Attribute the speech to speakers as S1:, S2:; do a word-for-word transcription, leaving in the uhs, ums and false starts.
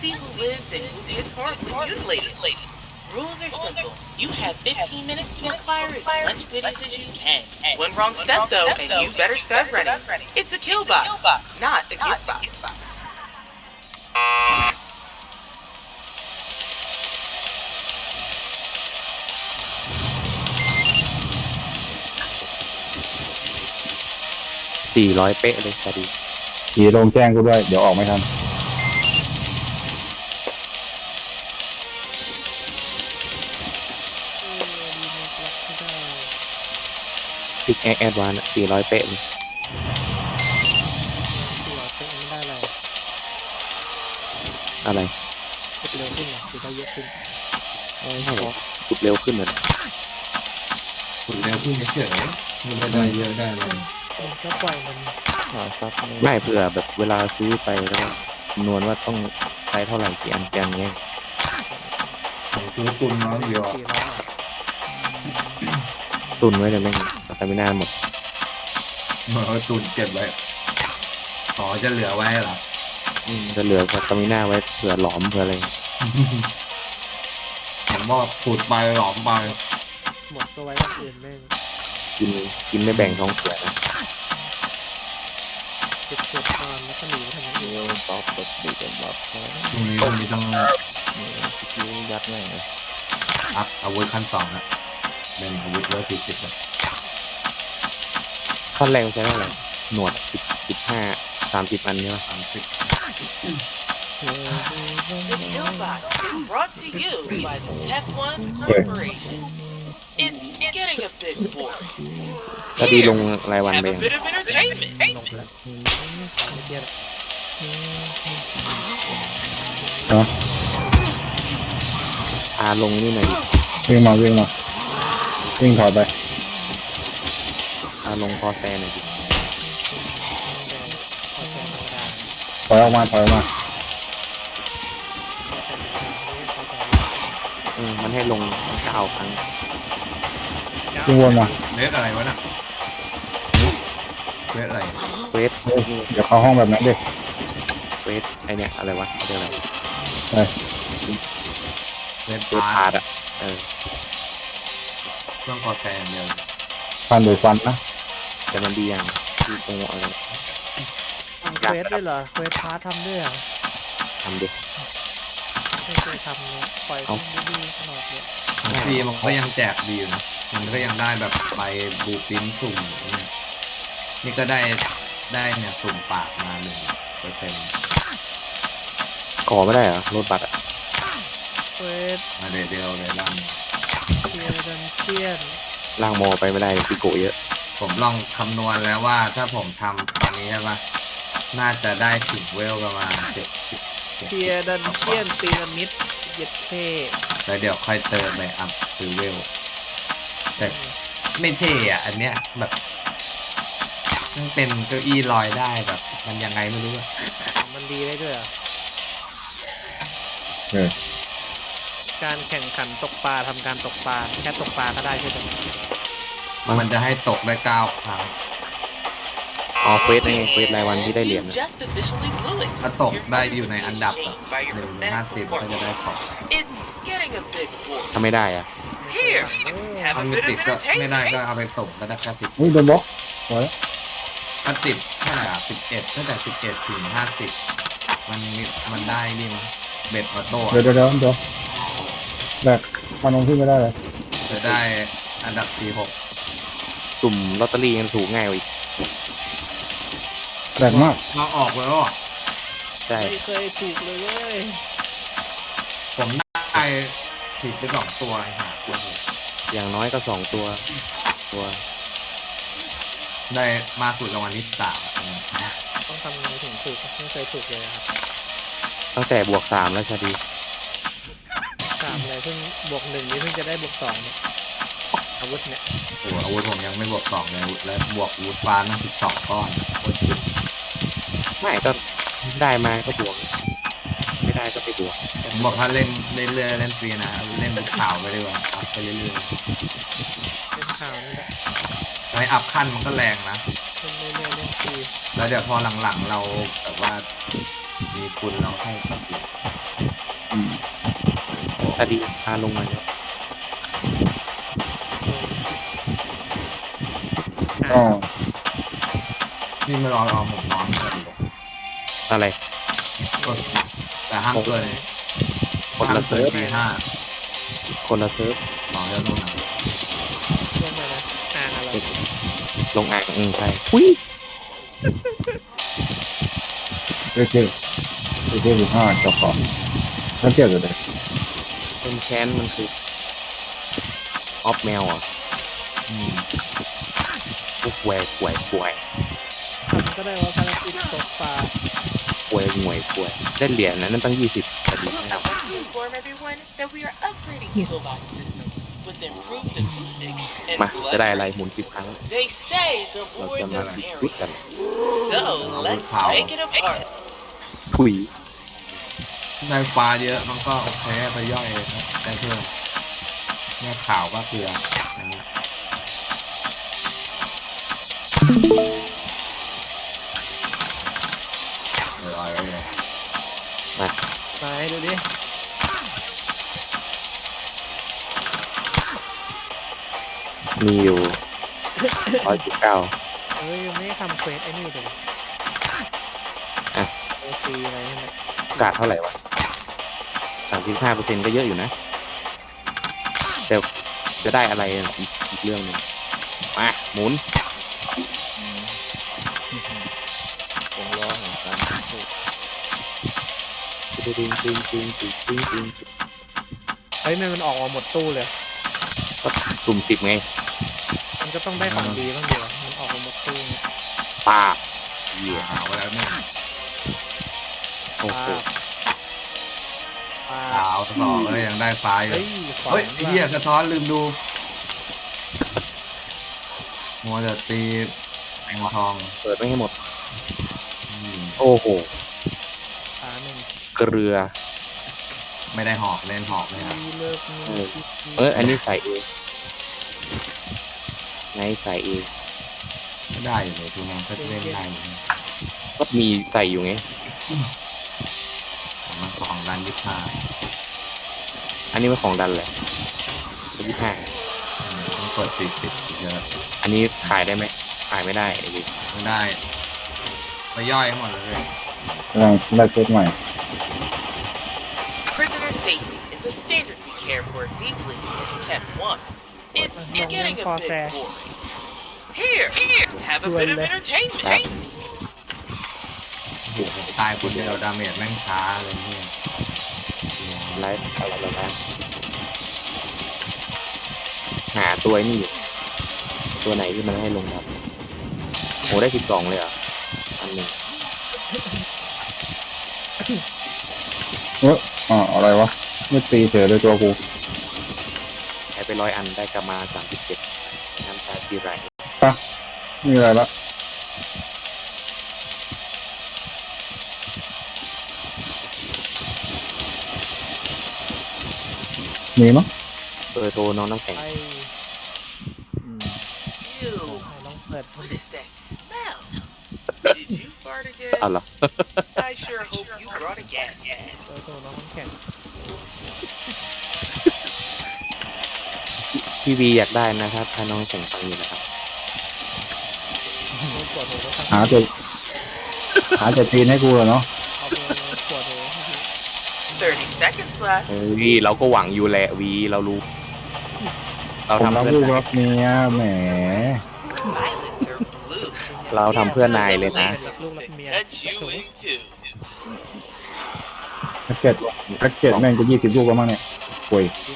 S1: see who lives and who gets hurt when mutilated. Rules are simple. You have fifteen minutes to acquire as much goodies as you can. One wrong step though, and you better start running. It's a kill box, not a gift box.
S2: สี่ร้อยเป๊ะเลยสวัสดี
S3: ขี่ลงแจ้งกูด้วยเดี๋ยวออกไม่ทัน
S2: พิกแอคแอดวานซ์สี่ร้อยเป๊ะเลย
S4: สี่ร้อยเป๊ะไม่ได้อะไร
S2: อะไร
S4: ขุดเร็วขึ้นเหรอขุดได้เยอะขึ้น
S2: ไม่ใช่หรอขุดเร็วขึ้นเหรอ
S5: ขุดเร็วขึ้นเฉยๆมันได้เยอะได้เลย
S4: ก็ปล่อยมัน
S2: หาซับไม่เผื่อแบบเวลาซื้อไปแล้วคำนวณว่าต้องใช้เท่าไหร่กี่อันกี่อันเงี้ย
S5: ตัวตุนน้อยเดียว
S2: ตุนไว้เลยแม่งแต่ไม่น่าหมด
S5: เหมือนตุนเก็บไว้ต่อจะเหลือไว้เหรอ
S2: อืมจะเหลือสตามิน่าไว้เผื่อหลอมเผื่ออะไร
S5: ผมว่าขุดไปหลอมไป
S4: หมดตัวไว้คนอื่นแม่ง
S2: กินกินไม่แบ่งท้องเสียนะ
S4: เก็บเก็บก่อนแล้วก็หนีทำอย่างอื่น
S2: ตอบตบดีกันแบบ
S5: ตรงนี้ตรงนี้ต้อง
S2: ยิ้มยัดแม่งเลย
S5: อัพอาวุธขั้นสองนะเป็นอาวุธร้อยสี่สิบ
S2: ขั้นแรงใช้เท่าไหร่หนวดสิบสิบห้าสามสิบอันใช่ไหม
S5: สามสิบ
S1: The kill box is brought to you by the Tech One Corporation. It's getting a bit boring.
S2: ก็ดีลงรายวันไป
S1: Have a bit of entertainment.
S4: ลงแล้วไม่เกียร์
S3: ฮะ
S2: พาลงนี่หน่อย
S3: วิ่งมาวิ่งมาวิ่งถอดไป
S2: พาลงคอแซนหน่อยดิ
S3: ถอยออกมาถอยออกมา
S2: อืมมันให้ลงเก้าครั้ง
S3: วิ่งวนมา
S5: เลสอะไรวะน่ะเลสอะไร
S2: เวท
S3: เดี๋ยวเข้าห้องแบบนั้นดิ
S2: เวทไอเนี้ยอะไรวะเรียกอะไร
S3: ใช่
S5: เลส
S2: เวทพาร์ตอ่ะเออ
S5: เครื่องคอแซนเดียว
S3: ฟันโดยฟันนะ
S2: แต่มันดีอย่างที่ตรงอะไร
S4: ทำเควสด้วยเหรอเควสพาร์ททำด้วยเหรอ
S2: ทำดิ
S4: ไม่เคยทำเลยปล่อยมันดีๆตลอดเลย
S5: ฟรีมันก็ยังแจกดีอยู่นะมันก็ยังได้แบบใบบูปินสุ่มเนี่ยนี่ก็ได้ได้เนี่ยสุ่มปากมาหนึ่งเปอร์เซ็นต์
S2: ขอไม่ได้เหรอรถบัตรอ่ะ
S4: เควส
S5: มาเดียวเดียวเลยล่าง
S4: เทียร์ดันเทียน
S2: ล่างมอไปไม่ได้ปิโกเยอะ
S5: ผมลองคำนวณแล้วว่าถ้าผมทำตอนนี้ใช่ปะน่าจะได้ถึงเวลประมาณเจ็ดสิบ
S4: เทียร์ดันเทียนพีระมิดเย็ดเท่
S5: แล้วเดี๋ยวค่อยเติมไปอัพซื้อเวลแต่ไม่เท่อะอันเนี้ยแบบมันเป็นเก้าอี้ลอยได้แบบมันยังไงไม่รู้อะ
S4: มันดีได้ด้วยอ่ะ
S3: เออ
S4: การแข่งขันตกปลาทำการตกปลาแค่ตกปลาก็ได้ใช่ไหม
S5: มันจะให้ตกได้เก้าครั้ง
S2: อ๋อเควสนี่เควสรายวันที่ได้เหรียญ
S5: ถ้าตกได้อยู่ในอันดับหนึ่งถึงห้าสิบก็จะได้ของ
S2: ทำไม่ได้อ่ะ
S5: ทำไม่ติดก็ไม่ได้ก็เอาไปส่งก็ได้แค่สิบ
S3: นี่โดนบล็อกไว้
S5: ถ้าติดเท่าไหร่อ่ะสิบเอ็ดตั้งแต่สิบเอ็ดถึงห้าสิบมันมันได้นี่มั้งเบ็ดมาโต้
S3: เดี๋ยวเดี๋ยวเดี๋ยวแบกมันลงที่ไม่ได้เลย
S5: จะได้อันดับสี่หก
S2: สุ่มลอตเตอรี่ยังถูกง่ายกว่าอีก
S3: แบกมาก
S5: เราออกแล้วอ่ะ
S2: ใช่
S4: ไม่เคยถูกเลยเว้ย
S5: ผมได้ผิดไปสองตัวไอ้ห่า
S2: อย่างน้อยก็สองตัวตัว
S5: ได้มากสุดรางวัลที่สาม
S4: ต้องทำยังไงถึงถูกไม่เคยถูกเลยครับ
S2: ตั้งแต่บวกสามแล้วชาดี
S4: สามอะไรเพิ่งบวกหนึ่งนี้เพิ่งจะได้บวกสองอาวุธเนี่ย
S5: โอ้อาวุธผมยังไม่บวกสองเลยแล้วบวกอาวุธฟ้าตั้งสิบสองก้อน
S2: ไม่ก็ได้มาก็บวกไม่ได้ก็ไปบวก
S5: ผมบอกถ้าเล่นเล่นเรื่อยเล่นฟรีนะเล่นเป็นข่าวไปดีกว่าอัพไปเรื่อย
S4: ๆเป็นข่าวนี่แหละ
S5: ไอ้อัพขั้นมันก็แรงนะ
S4: เล่นเรื่อยๆเล่นฟรี
S5: แล้วเดี๋ยวพอหลังๆเราแบบว่ามีทุนเราให้ปรับเปลี่ยน
S2: ตาดีพาลงมาเนาะ
S3: ก็
S5: นี่ไม่รอรอผมนอนก่อนเลย
S2: อะไร
S5: แต่ห้ามเกิน
S2: คน
S5: ห้าม
S2: ละ
S5: เกิ
S2: เซิ
S5: น
S2: ร์ฟ
S5: ตีห้า
S2: คนละเซิร์ฟ
S5: ต่อเรื่องนู้นนะ
S4: ลงมานะอ่างอะไร
S2: ลงอ่างอืมใช่อุ้ย
S3: เรื่อยๆเรื่อยๆสิบห้าจบก่อนแล้วเจ็ดเลย
S2: เป็นแชนมันคือออฟแมวอ่ะ
S5: อืม
S2: กูฟวยฟวยฟวย
S4: ทำก็ได้ว่าภารกิจตกปลา
S2: ฟวยงวยฟวยได้เหรียญนะนั่นตั้งยี่สิบตาดี
S1: I want to inform everyone that we are upgrading Killbox systems with improved acoustics and
S2: มาจะได้อะไรหมุนสิบครั้ง
S1: They say the
S2: เรา
S1: more
S2: จะ
S1: the
S2: มาดิสคุด
S1: merrier.
S2: กัน
S1: So let's take it apart.
S2: ถุย
S5: ได้ปลาเยอะมันก็โอเคไปย่อยได้เพิ่มแม่ข่าวก็เกลือนะฮะเดี๋ยวเอาไว้เลย
S4: ไหนดูดิ
S2: มีอยู่ร้อยจุดเก้า
S4: เอ้ยยังไม่ได้ทำเควสไอ้นี่เลย
S2: อ่ะ
S4: โอซีอะไรนั่นแหละ
S2: โอกาสเท่าไหร่วะสามสิบห้าเปอร์เซ็นต์ก็เยอะอยู่นะแต่จะได้อะไรอีกอีกเรื่องหนึงมาหมุน
S4: วงล้อของการพูด
S2: ตึ้งตึ้งตึ้งตึ้งตึ้งตึ้งตึ้ง
S4: เฮ้ยมันมันออกมาหมดตู้เลย
S2: ก็กลุ่มสิบไง
S4: มันก็ต้องได้ของดีบ้างเดียวมันออกมาหมดตู้เนี่ย
S2: ปาบเหี้ย
S5: หาไว้แล้วหนึ่ง
S2: โอ้โห
S4: ปลา
S5: ดาวต่อเลยยังได้ปลาอยู่
S4: เฮ้ยขวาน
S5: เฮ้ยไอ้เหี้ยกระท้อนลืมดูมัวแต่ตีแมงทอง
S2: เปิดไม่ให้หมด
S5: อืม
S2: โอ้โห
S4: ปลาหนึ่ง
S2: เกลือ
S5: ไม่ได้หอกเล่นหอกเลยครับ
S4: มีเลิกมี
S2: เออ เอออันนี้ใส่เองไงใส่เอง
S5: ก็ได้อยู่เลยทุกงานก็เล่นได้อยู่
S2: ก็มีใส่อยู่ไง
S5: ของมาสองด้านยี่ห้า
S2: อันนี้เป็นของดันแหละยี่ห้า
S5: ต้องเปิดสี่สิบเยอะ
S2: อันนี้ขายได้ไหมขายไม่ได้ไอ้ดิ
S5: ไม่ได้ไปย่อยให้หมดเลย
S3: กำลังได้เซตใหม่
S1: Prisoner safety is a standard we care for deeply in Cat one. It's getting a bit boring. Here, here, have a bit of entertainment.
S5: โอ้โหตายคนเดียวดาเมจแม่งช้าเลยเนี่ย
S2: ไลฟ์อะไรแล้วนะหาตัวไอ้นี่อยู่ตัวไหนที่มันให้ลงครับโหได้สิบสองเลยเหรอ่ะอันหนึ่ง
S3: เอออ่าอะไรวะไม่ตีเฉยเลยตัวกู
S2: ใช้ไปร้อยอันได้กลับมาสามสิบเจ็ดน้ำตาจีไร
S3: มีอะไรละมีมั้ง
S2: เบอร์โทรน้องน้ำแข็ง
S4: ไป
S1: Ew,
S4: ลองเปิด
S1: what is that smell? Did you fart
S2: เอา
S1: again?
S2: เหรอ
S1: I sure hope you brought a gas mask.
S4: เปิดตัวน้องน้ำแข็ง
S2: พี่วีอยากได้นะครับ ถ้าน้องแข่งฟังอยู่นะครับ
S4: ปวดหัวก็ทำ
S3: หาจะหาจะตีนให้กูเหรอเนาะ
S4: เอาไปปวดหัวให้ดู
S1: thirty seconds left.
S2: เฮ้ยเราก็หวังอยู่แหละวีเรารู้ เรา
S3: ผม
S2: ทำ
S3: รัก
S2: เพื่อ
S3: ลูก
S2: น
S3: รักเมียแหม
S1: Violets are blue.
S2: เราทำเพื่อนายเลยนะ
S4: รักลูกรักเมีย
S1: Cut you in two.
S3: แพ็กเก็ตแพ็กเก็ตแม่งจะยี่สิบลูกแล้วมั้งเนี่ยป่วย
S4: จริง